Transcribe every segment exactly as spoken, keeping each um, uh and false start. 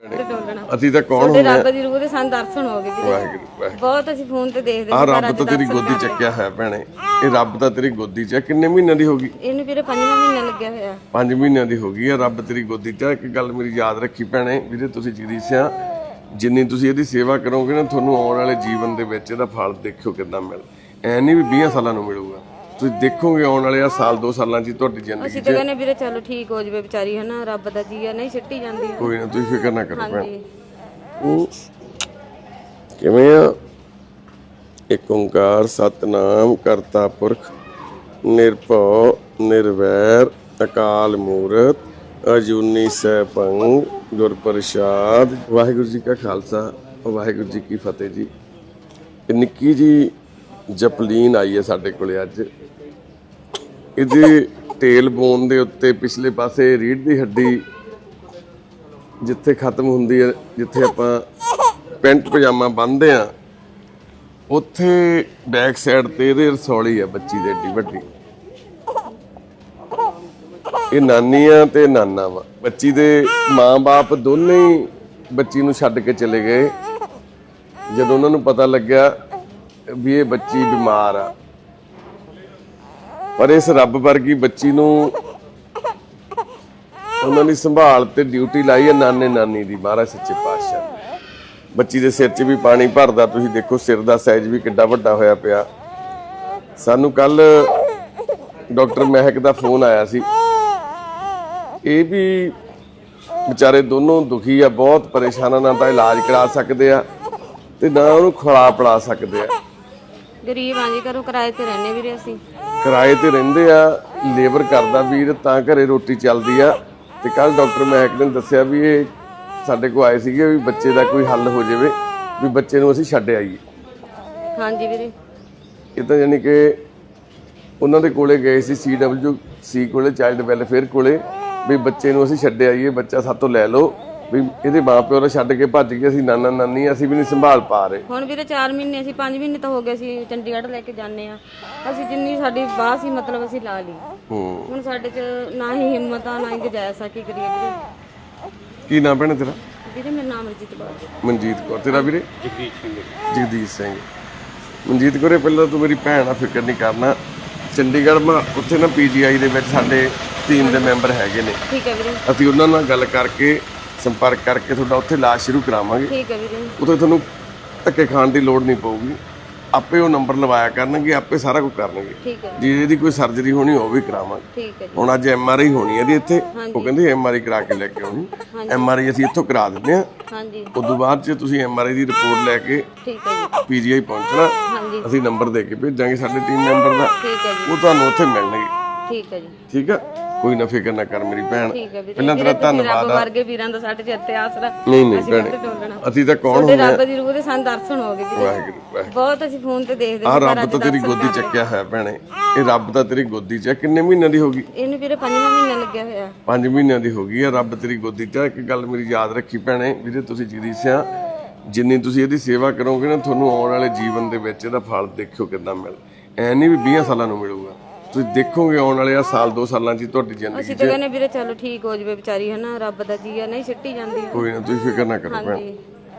ਅਸੀਂ ਤਾਂ ਕੌਣ ਹੁੰਦੇ ਰੱਬ ਦੀ ਰੂਹ ਦੇ ਸਾਨੂੰ ਦਰਸ਼ਨ ਹੋ ਗਏ ਜੀ। ਵਾਹਿਗੁਰੂ ਬਹੁਤ ਅਸੀਂ ਫੋਨ ਤੇ ਦੇਖਦੇ ਆ ਰੱਬ ਤਾਂ ਤੇਰੀ ਗੋਦੀ ਚੱਕਿਆ ਹੈ ਭੈਣੇ, ਇਹ ਰੱਬ ਤਾਂ ਤੇਰੀ ਗੋਦੀ ਚ। ਕਿੰਨੇ ਮਹੀਨਿਆਂ ਦੀ ਹੋ ਗਈ? ਇਹਨੂੰ ਵੀਰੇ ਪੰਜਵਾਂ ਮਹੀਨਾ ਲੱਗਿਆ ਹੋਇਆ। ਪੰਜ ਮਹੀਨਿਆਂ ਦੀ ਹੋ ਗਈ ਆ, ਰੱਬ ਤੇਰੀ ਗੋਦੀ ਚ। ਇੱਕ ਗੱਲ ਮੇਰੀ ਯਾਦ ਰੱਖੀ ਭੈਣੇ, ਵੀਰੇ ਤੁਸੀਂ ਜਗਦੀਸ਼ਿਆ, ਜਿੰਨੀ ਤੁਸੀਂ ਇਹਦੀ ਸੇਵਾ ਕਰੋਗੇ ਨਾ, ਤੁਹਾਨੂੰ ਆਉਣ ਵਾਲੇ ਜੀਵਨ ਦੇ ਵਿੱਚ ਇਹਦਾ ਫਲ ਦੇਖਿਓ ਕਿੱਦਾਂ ਮਿਲ। ਐ ਨਹੀਂ ਵੀ ਵੀਹ ਸਾਲਾਂ ਨੂੰ ਮਿਲੂਗਾ, ਤੁਸੀਂ ਦੇਖੋਗੇ ਆਉਣ ਵਾਲੇ ਆ ਸਾਲ ਦੋ ਸਾਲਾਂ 'ਚ ਤੁਹਾਡੀ ਜ਼ਿੰਦਗੀ 'ਚ। ਅਸੀਂ ਤਾਂ ਕਹਿੰਦੇ ਵੀਰੇ ਚਲੋ ਠੀਕ ਹੋ ਜਵੇ ਵਿਚਾਰੀ, ਹਨਾ ਰੱਬ ਦਾ ਜੀ ਆ, ਨਹੀਂ ਸਿੱਟੀ ਜਾਂਦੀ। ਕੋਈ ਨਾ ਤੁਸੀਂ ਫਿਕਰ ਨਾ ਕਰੋ ਭੈਣ। ਹਾਂਜੀ ਕਿਵੇਂ ਆ? ਇੱਕ ਓੰਕਾਰ ਸਤਨਾਮ ਕਰਤਾ ਪੁਰਖ ਨਿਰਭਉ ਨਿਰਵੈਰ ਅਕਾਲ ਮੂਰਤ ਅਜੂਨੀ ਸੈਭੰ ਗੁਰ ਪ੍ਰਸਾਦ। ਵਾਹਿਗੁਰੂ ਜੀ ਕਾ ਖਾਲਸਾ ਵਾਹਿਗੁਰੂ ਜੀ ਕੀ ਫਤਿਹ ਜੀ। ਨਿੱਕੀ ਜੀ ਜਪਲੀਨ ਆਈ ਹੈ ਸਾਡੇ ਕੋਲੇ ਅੱਜ। ਇਹਦੇ ਟੇਲ ਬੋਨ ਦੇ ਉੱਤੇ ਪਿਛਲੇ ਪਾਸੇ ਰੀੜ੍ਹ ਦੀ ਹੱਡੀ ਜਿੱਥੇ ਖਤਮ ਹੁੰਦੀ ਹੈ, ਜਿੱਥੇ ਆਪਾਂ ਪੈਂਟ ਪਜਾਮਾ ਬੰਨ੍ਹਦੇ ਆ, ਉੱਥੇ ਬੈਕ ਸਾਈਡ ਤੇ ਇਹਦੇ ਰਸੌਲੀ ਆ ਬੱਚੀ ਦੇ ਏਡੀ ਵੱਡੀ। ਇਹ ਨਾਨੀ ਆ ਤੇ ਨਾਨਾ ਵਾ। ਬੱਚੀ ਦੇ ਮਾਂ-ਬਾਪ ਦੋਨੇ ਹੀ ਬੱਚੀ ਨੂੰ ਛੱਡ ਕੇ ਚਲੇ ਗਏ ਜਦੋਂ ਉਹਨਾਂ ਨੂੰ ਪਤਾ ਲੱਗਿਆ ਵੀ ਇਹ ਬੱਚੀ ਬਿਮਾਰ ਆ। ਪਰ ਇਸ ਰੱਬ ਵਰਗੀ ਬੱਚੀ ਨੂੰ ਉਹਨਾਂ ਦੀ ਸੰਭਾਲ ਤੇ ਡਿਊਟੀ ਲਾਈ ਹੈ ਨਾਨੇ ਨਾਨੀ ਦੀ, ਮਹਾਰਾਜ ਸੱਚੇ ਪਾਤਸ਼ਾਹ। ਬੱਚੀ ਦੇ ਸਿਰ 'ਚ ਵੀ ਪਾਣੀ ਭਰਦਾ, ਤੁਸੀਂ ਦੇਖੋ ਸਿਰ ਦਾ ਸਾਈਜ਼ ਵੀ ਕਿੱਡਾ ਵੱਡਾ ਹੋਇਆ ਪਿਆ। ਸਾਨੂੰ ਕੱਲ ਡਾਕਟਰ ਮਹਿਕ ਦਾ ਫੋਨ ਆਇਆ ਸੀ। ਇਹ ਵੀ ਵਿਚਾਰੇ ਦੋਨੋਂ ਦੁਖੀ ਆ, ਬਹੁਤ ਪਰੇਸ਼ਾਨਾਂ ਨਾਲ ਤਾਂ ਇਲਾਜ ਕਰਾ ਸਕਦੇ ਆ ਤੇ ਨਾ ਉਹਨੂੰ ਖਵਾ ਪਿਲਾ ਸਕਦੇ ਆ। ਗਰੀਬ ਆਂ ਜੀ, ਘਰੋਂ ਕਿਰਾਏ ਤੇ ਰਹਿੰਦੇ ਵੀਰੇ। ਅਸੀਂ ਕਿਰਾਏ ਤੇ ਰਹਿੰਦੇ ਆ, ਲੇਬਰ ਕਰਦਾ ਵੀਰ, ਤਾਂ ਘਰੇ ਰੋਟੀ ਚੱਲਦੀ ਆ। ਤੇ ਕੱਲ ਡਾਕਟਰ ਮਹਿਕ ਨੇ ਦੱਸਿਆ ਵੀ ਇਹ ਸਾਡੇ ਕੋਲ ਆਏ ਸੀਗੇ ਵੀ ਬੱਚੇ ਦਾ ਕੋਈ ਹੱਲ ਹੋ ਜਾਵੇ, ਵੀ ਬੱਚੇ ਨੂੰ ਅਸੀਂ ਛੱਡ ਆਈਏ। ਹਾਂਜੀ ਵੀਰੇ। ਇਹ ਤਾਂ ਯਾਨੀ ਕਿ ਉਹਨਾਂ ਦੇ ਕੋਲੇ ਗਏ ਸੀ, ਸੀ ਡਬਲਯੂ ਸੀ ਕੋਲੇ, ਚਾਈਲਡ ਵੈਲਫੇਅਰ ਕੋਲੇ, ਵੀ ਬੱਚੇ ਨੂੰ ਅਸੀਂ ਛੱਡ ਆਈਏ, ਬੱਚਾ ਸਾਤੋਂ ਲੈ ਲਓ। ਵੀ ਇਹਦੇ ਮਾਂ ਪਿਓ ਨੇ ਛੱਡ ਕੇ ਭੱਜ ਗਏ, ਅਸੀਂ ਨਾਨਾ ਨਾਨੀ ਅਸੀਂ ਵੀ ਨਹੀਂ ਸੰਭਾਲ ਪਾ ਰਹੇ। ਹੁਣ ਵੀਰੇ ਚਾਰ ਮਹੀਨੇ ਅਸੀਂ ਪੰਜ ਮਹੀਨੇ ਤਾਂ ਹੋ ਗਏ ਅਸੀਂ ਚੰਡੀਗੜ੍ਹ ਲੈ ਕੇ ਜਾਂਦੇ ਆ। ਅਸੀਂ ਜਿੰਨੀ ਸਾਡੀ ਬਾਹ ਸੀ ਮਤਲਬ ਅਸੀਂ ਲਾ ਲਈ। ਹੁਣ ਸਾਡੇ 'ਚ ਨਾ ਹੀ ਹਿੰਮਤ ਆ ਨਾ ਹੀ ਗੁਜਾਇਸ਼ ਆ, ਕੀ ਕਰੀਏ ਵੀਰੇ। ਕੀ ਨਾਮ ਭੈਣੇ ਤੇਰਾ? ਵੀਰੇ ਮੇਰਾ ਨਾਮ ਮਨਜੀਤ ਕੌਰ। ਮਨਜੀਤ ਕੌਰ। ਤੇਰਾ ਵੀਰੇ? ਜਗਦੀਸ਼ ਸਿੰਘ। ਜਗਦੀਸ਼ ਸਿੰਘ। ਮਨਜੀਤ ਕੌਰੇ, ਪਹਿਲਾਂ ਤੂੰ ਮੇਰੀ ਭੈਣ ਆ, ਫਿਕਰ ਨਹੀਂ ਕਰਨਾ। ਚੰਡੀਗੜ੍ਹ ਮੈਂ ਉੱਥੇ ਨਾ ਪੀ ਜੀ ਆਈ ਦੇ ਵਿੱਚ ਸਾਡੇ ਟੀਮ ਦੇ ਮੈਂਬਰ ਹੈਗੇ ਨੇ। ਠੀਕ ਹੈ ਵੀਰੇ। ਅਸੀਂ ਉਹਨਾਂ ਨਾਲ ਗੱਲ ਕਰਕੇ ਸੰਪਰਕ ਕਰਕੇ ਤੁਹਾਡਾ ਉੱਥੇ ਇਲਾਜ ਸ਼ੁਰੂ ਕਰਾਵਾਂਗੇ। ਠੀਕ ਹੈ ਵੀਰੇ। ਉੱਥੇ ਤੁਹਾਨੂੰ ਧੱਕੇ ਖਾਣ ਦੀ ਲੋੜ ਨਹੀਂ ਪਊਗੀ, ਆਪੇ ਉਹ ਨੰਬਰ ਲਵਾਇਆ ਕਰਨਗੇ, ਆਪੇ ਸਾਰਾ ਕੁਝ ਕਰਨਗੇ। ਠੀਕ ਹੈ ਜੇ ਇਹਦੀ ਕੋਈ ਸਰਜਰੀ ਹੋਣੀ ਉਹ ਵੀ ਕਰਾਵਾਂਗੇ। ਠੀਕ ਹੈ ਜੀ। ਹੁਣ ਅੱਜ ਐਮ ਆਰ ਆਈ ਹੋਣੀ ਹੈ ਇਹਦੀ ਇੱਥੇ, ਉਹ ਕਹਿੰਦੇ ਐਮ ਆਰ ਆਈ ਕਰਾ ਕੇ ਲੈ ਕੇ ਆਉਣੀ। ਐਮ ਆਰ ਆਈ ਅਸੀਂ ਇੱਥੋਂ ਕਰਾ ਦਿੰਦੇ ਹਾਂ। ਹਾਂਜੀ। ਉਸ ਤੋਂ ਬਾਅਦ ਜੇ ਤੁਸੀਂ ਐਮ ਆਰ ਆਈ ਦੀ ਰਿਪੋਰਟ ਲੈ ਕੇ ਠੀਕ ਹੈ ਜੀ। ਪੀ ਜੀ ਆਈ ਪਹੁੰਚਣਾ, ਹਾਂਜੀ। ਅਸੀਂ ਨੰਬਰ ਦੇ ਕੇ ਭੇਜਾਂਗੇ ਸਾਡੇ ਟੀਮ ਮੈਂਬਰ ਦਾ, ਠੀਕ ਹੈ ਜੀ। ਉਹ ਤੁਹਾਨੂੰ ਉੱਥੇ ਮਿਲਣਗੇ। ਠੀਕ ਹੈ ਜੀ। ਠੀਕ ਆ, ਕੋਈ ਨਾ ਫਿਕਰ ਨਾ ਕਰ ਮੇਰੀ ਭੈਣ। ਠੀਕ ਹੈ ਵੀਰੇ। ਪਹਿਲਾਂ ਤੇਰਾ ਧੰਨਵਾਦ ਆ। ਵਰਗੇ ਵੀਰਾਂ ਦਾ ਸਾਡੇ ਚ ਇੱਥੇ ਆਸਰਾ। ਨਹੀਂ ਨਹੀਂ ਭੈਣੇ, ਅਸੀਂ ਤਾਂ ਕੌਣ ਹੁੰਦੇ ਆ? ਰੱਬ ਦੀ ਰੂਹ ਦੇ ਸਾਨੂੰ ਦਰਸ਼ਨ ਹੋ ਗਏ ਵੀਰੇ। ਵਾਹਿਗੁਰੂ ਵਾਹਿਗੁਰੂ। ਬਹੁਤ ਅਸੀਂ ਫੋਨ ਤੇ ਦੇਖਦੇ ਆ ਰੱਬ ਤਾਂ ਤੇਰੀ ਗੋਦੀ ਚੱਕਿਆ ਹੈ ਭੈਣੇ, ਇਹ ਰੱਬ ਤਾਂ ਤੇਰੀ ਗੋਦੀ ਚ। ਕਿੰਨੇ ਮਹੀਨਿਆਂ ਦੀ ਹੋ ਗਈ? ਇਹਨੂੰ ਵੀਰੇ ਪੰਜਵਾਂ ਮਹੀਨਾ ਲੱਗਿਆ ਹੋਇਆ। ਪੰਜ ਮਹੀਨਿਆਂ ਦੀ ਹੋ ਗਈ ਆ, ਰੱਬ ਤੇਰੀ ਗੋਦੀ ਚ। ਇੱਕ ਗੱਲ ਮੇਰੀ ਯਾਦ ਰੱਖੀ ਭੈਣੇ, ਵੀਰੇ ਤੁਸੀਂ ਜਗਦੀਸ਼ਿਆ, ਜਿੰਨੀ ਤੁਸੀਂ ਇਹਦੀ ਸੇਵਾ ਕਰੋਗੇ ਨਾ, ਤੁਹਾਨੂੰ ਆਉਣ ਵਾਲੇ ਜੀਵਨ ਦੇ ਵਿੱਚ ਇਹਦਾ ਫਲ ਦੇਖਿਓ ਕਿੱਦਾਂ ਮਿਲ। ਐ ਨਹੀਂ ਵੀ ਵੀਹ ਸਾਲਾਂ ਨੂੰ ਮਿਲੂਗਾ, ਤੁਸੀਂ ਦੇਖੋਗੇ ਆਉਣ ਵਾਲੇ ਆ ਸਾਲ ਦੋ ਸਾਲਾਂ 'ਚ ਤੁਹਾਡੀ ਜ਼ਿੰਦਗੀ 'ਚ। ਅਸੀਂ ਤਾਂ ਕਹਿੰਦੇ ਵੀਰੇ ਚਲੋ ਠੀਕ ਹੋ ਜਵੇ ਵਿਚਾਰੀ, ਹਨਾ ਰੱਬ ਦਾ ਜੀ ਆ, ਨਹੀਂ ਸਿੱਟੀ ਜਾਂਦੀ। ਕੋਈ ਨਾ ਤੁਸੀਂ ਫਿਕਰ ਨਾ ਕਰੋ ਭੈਣ। ਹਾਂਜੀ।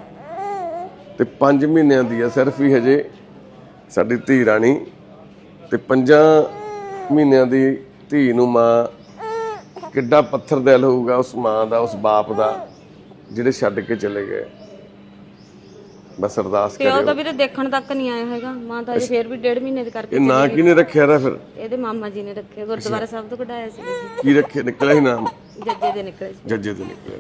ਤੇ ਪੰਜ ਮਹੀਨਿਆਂ ਦੀ ਆ ਸਿਰਫ ਹੀ ਹਜੇ ਸਾਡੀ ਧੀ ਰਾਣੀ, ਤੇ ਪੰਜਾਂ ਮਹੀਨਿਆਂ ਦੀ ਧੀ ਨੂੰ ਮਾਂ ਕਿੱਡਾ ਪੱਥਰ ਦਿਲ ਹੋਊਗਾ ਉਸ ਮਾਂ ਦਾ, ਉਸ ਬਾਪ ਦਾ, ਜਿਹੜੇ ਛੱਡ ਕੇ ਚਲੇ ਗਏ। ਬਸ ਅਰਦਾਸ ਤੇ ਉਹ ਕਰਿਓ। ਤਾਂ ਵੀਰੇ ਦੇਖਣ ਤੱਕ ਨਹੀਂ ਆਇਆ ਹੈਗਾ। ਮਾਂ ਤਾਂ ਅਜੇ ਫੇਰ ਵੀ ਡੇਢ ਮਹੀਨੇ ਦੇ ਕਰਕੇ। ਇਹ ਨਾਂ ਕਿਹਨੇ ਰੱਖਿਆ ਦਾ ਫਿਰ? ਇਹਦੇ ਮਾਮਾ ਜੀ ਨੇ ਰੱਖਿਆ, ਗੁਰਦੁਆਰਾ ਸਾਹਿਬ ਤੋਂ ਕਢਾਇਆ ਸੀ। ਕੀ ਰੱਖਿਆ? ਨਿਕਲਿਆ ਹੀ ਨਾਮ? ਜੱਜੇ ਦੇ ਨਿਕਲੇ ਸੀ। ਜੱਜੇ ਤੋਂ ਨਿਕਲਿਆ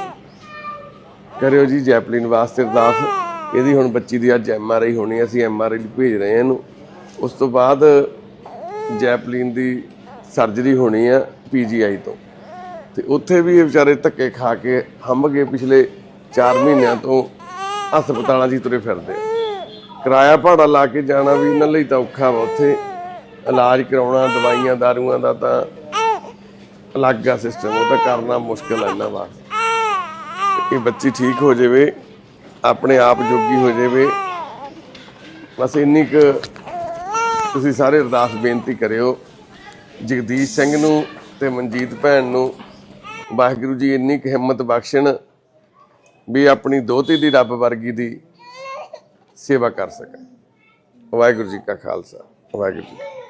ਸੀ। ਕਰਿਓ ਜੀ ਜੈਪਲੀਨ ਵਾਸਤੇ ਅਰਦਾਸ। ਇਹਦੀ ਹੁਣ ਬੱਚੀ ਦੀ ਅੱਜ ਐਮ ਆਰ ਆਈ ਹੋਣੀ, ਅਸੀਂ ਐਮ ਆਰ ਆਈ ਲਈ ਭੇਜ ਰਹੇ ਹਾਂ ਇਹਨੂੰ। ਉਸ ਤੋਂ ਬਾਅਦ ਜੈਪਲੀਨ ਦੀ ਸਰਜਰੀ ਹੋਣੀ ਆ ਪੀ ਜੀ ਆਈ ਤੋਂ, ਤੇ ਉੱਥੇ ਵੀ ਇਹ ਵਿਚਾਰੇ ਧੱਕੇ ਖਾ ਕੇ ਹੰਭ ਗਏ। ਪਿਛਲੇ ਚਾਰ ਮਹੀਨਿਆਂ ਤੋਂ ਹਸਪਤਾਲਾਂ 'ਚ ਹੀ ਤੁਰੇ ਫਿਰਦੇ। ਕਿਰਾਇਆ ਭਾੜਾ ਲਾ ਕੇ ਜਾਣਾ ਵੀ ਇਹਨਾਂ ਲਈ ਤਾਂ ਔਖਾ ਵਾ। ਉੱਥੇ ਇਲਾਜ ਕਰਾਉਣਾ, ਦਵਾਈਆਂ ਦਾਰੂਆਂ ਦਾ ਤਾਂ ਅਲੱਗ ਆ ਸਿਸਟਮ, ਉਹ ਤਾਂ ਕਰਨਾ ਮੁਸ਼ਕਿਲ ਹੈ ਇਹਨਾਂ ਵਾਸਤੇ। ਇਹ ਬੱਚੀ ਠੀਕ ਹੋ ਜਾਵੇ, ਆਪਣੇ ਆਪ ਜੋਗੀ ਹੋ ਜਾਵੇ, ਬਸ ਇੰਨੀ ਕੁ ਤੁਸੀਂ ਸਾਰੇ ਅਰਦਾਸ ਬੇਨਤੀ ਕਰਿਓ ਜਗਦੀਸ਼ ਸਿੰਘ ਨੂੰ ਤੇ ਮਨਜੀਤ ਭੈਣ ਨੂੰ। ਵਾਹਿਗੁਰੂ ਜੀ ਇੰਨੀ ਕੁ ਹਿੰਮਤ ਬਖਸ਼ਣ ਵੀ ਆਪਣੀ ਦੋਹਤੀ ਦੀ ਰੱਬ ਵਰਗੀ ਦੀ ਸੇਵਾ ਕਰ ਸਕਣ। ਵਾਹਿਗੁਰੂ ਜੀ ਕਾ ਖਾਲਸਾ, ਵਾਹਿਗੁਰੂ ਜੀ।